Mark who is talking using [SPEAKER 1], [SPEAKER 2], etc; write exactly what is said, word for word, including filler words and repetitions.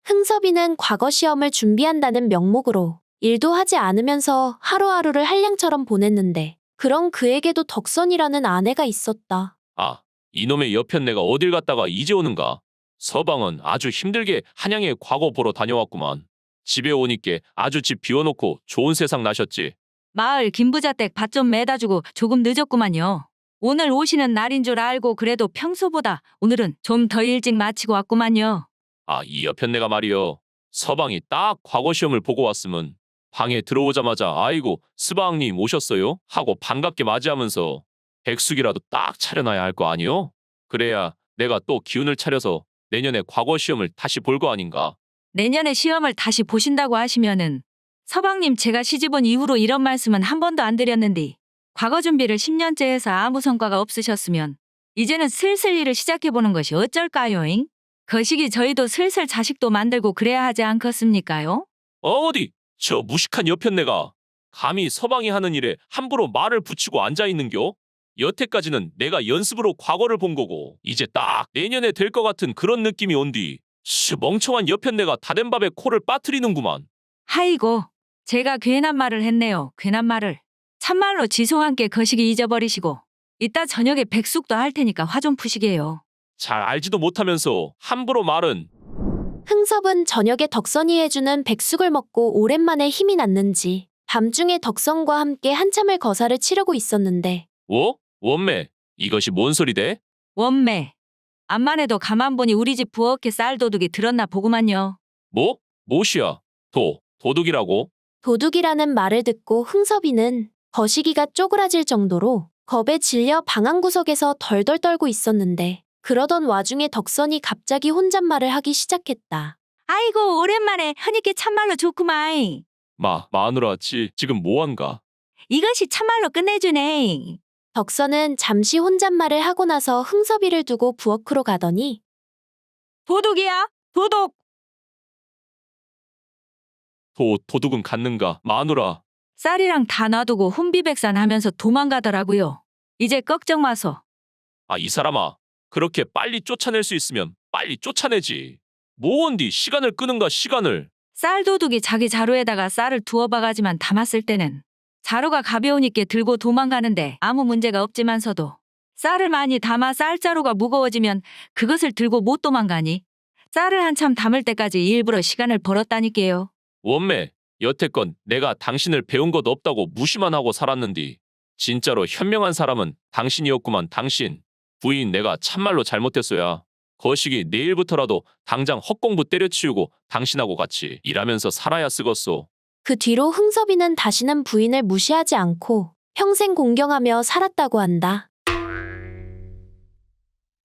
[SPEAKER 1] 흥섭이는 과거 시험을 준비한다는 명목으로 일도 하지 않으면서 하루하루를 한량처럼 보냈는데 그런 그에게도 덕선이라는 아내가 있었다.
[SPEAKER 2] 아, 이놈의 여편네가 어딜 갔다가 이제 오는가? 서방은 아주 힘들게 한양에 과거 보러 다녀왔구만. 집에 오니께 아주 집 비워놓고 좋은 세상 나셨지.
[SPEAKER 3] 마을 김부자댁 밭 좀 매다주고 조금 늦었구만요. 오늘 오시는 날인 줄 알고 그래도 평소보다 오늘은 좀 더 일찍 마치고 왔구만요.
[SPEAKER 2] 아, 이 여편네가 말이여. 서방이 딱 과거 시험을 보고 왔으면 방에 들어오자마자 아이고 스방님 오셨어요? 하고 반갑게 맞이하면서 백숙이라도 딱 차려놔야 할 거 아니요? 그래야 내가 또 기운을 차려서 내년에 과거 시험을 다시 볼 거 아닌가?
[SPEAKER 3] 내년에 시험을 다시 보신다고 하시면은 서방님 제가 시집온 이후로 이런 말씀은 한 번도 안 드렸는데 과거 준비를 십 년째 해서 아무 성과가 없으셨으면 이제는 슬슬 일을 시작해보는 것이 어쩔까요잉? 거시기 저희도 슬슬 자식도 만들고 그래야 하지 않겠습니까요?
[SPEAKER 2] 어디 저 무식한 여편네가 감히 서방이 하는 일에 함부로 말을 붙이고 앉아있는겨? 여태까지는 내가 연습으로 과거를 본 거고 이제 딱 내년에 될 것 같은 그런 느낌이 온뒤 씨 멍청한 여편네가 다된 밥에 코를 빠뜨리는구만.
[SPEAKER 3] 하이고 제가 괜한 말을 했네요. 괜한 말을. 참말로 지송한께 거시기 잊어버리시고 이따 저녁에 백숙도 할 테니까 화 좀 푸시게요.
[SPEAKER 2] 잘 알지도 못하면서 함부로 말은.
[SPEAKER 1] 흥섭은 저녁에 덕선이 해주는 백숙을 먹고 오랜만에 힘이 났는지 밤중에 덕선과 함께 한참을 거사를 치르고 있었는데
[SPEAKER 2] 워? 원매 이것이 뭔 소리대?
[SPEAKER 3] 원매. 암만 해도 가만 보니 우리 집 부엌에 쌀도둑이 들었나 보구만요.
[SPEAKER 2] 뭐? 못이야. 도, 도둑이라고?
[SPEAKER 1] 도둑이라는 말을 듣고 흥섭이는 거시기가 쪼그라질 정도로 겁에 질려 방 한구석에서 덜덜 떨고 있었는데 그러던 와중에 덕선이 갑자기 혼잣말을 하기 시작했다.
[SPEAKER 3] 아이고 오랜만에 하니께 참말로 좋구마이.
[SPEAKER 2] 마, 마누라 지, 지금 뭐한가?
[SPEAKER 3] 이것이 참말로 끝내주네.
[SPEAKER 1] 덕선은 잠시 혼잣말을 하고 나서 흥섭이를 두고 부엌으로 가더니
[SPEAKER 3] 도둑이야? 도둑!
[SPEAKER 2] 도, 도둑은 갔는가? 마누라.
[SPEAKER 3] 쌀이랑 다 놔두고 혼비백산 하면서 도망가더라고요. 이제 걱정 마소.
[SPEAKER 2] 아, 이 사람아. 그렇게 빨리 쫓아낼 수 있으면 빨리 쫓아내지. 뭐언디 시간을 끄는가 시간을.
[SPEAKER 3] 쌀도둑이 자기 자루에다가 쌀을 두어 바가지만 담았을 때는 자루가 가벼우니까 들고 도망가는데 아무 문제가 없지만서도 쌀을 많이 담아 쌀자루가 무거워지면 그것을 들고 못 도망가니 쌀을 한참 담을 때까지 일부러 시간을 벌었다니까요.
[SPEAKER 2] 원매, 여태껏 내가 당신을 배운 것 없다고 무시만 하고 살았는디. 진짜로 현명한 사람은 당신이었구만 당신. 부인 내가 참말로 잘못했어야. 거시기 내일부터라도 당장 헛공부 때려치우고 당신하고 같이 일하면서 살아야 쓰겄소.
[SPEAKER 1] 그 뒤로 흥섭이는 다시는 부인을 무시하지 않고 평생 공경하며 살았다고 한다.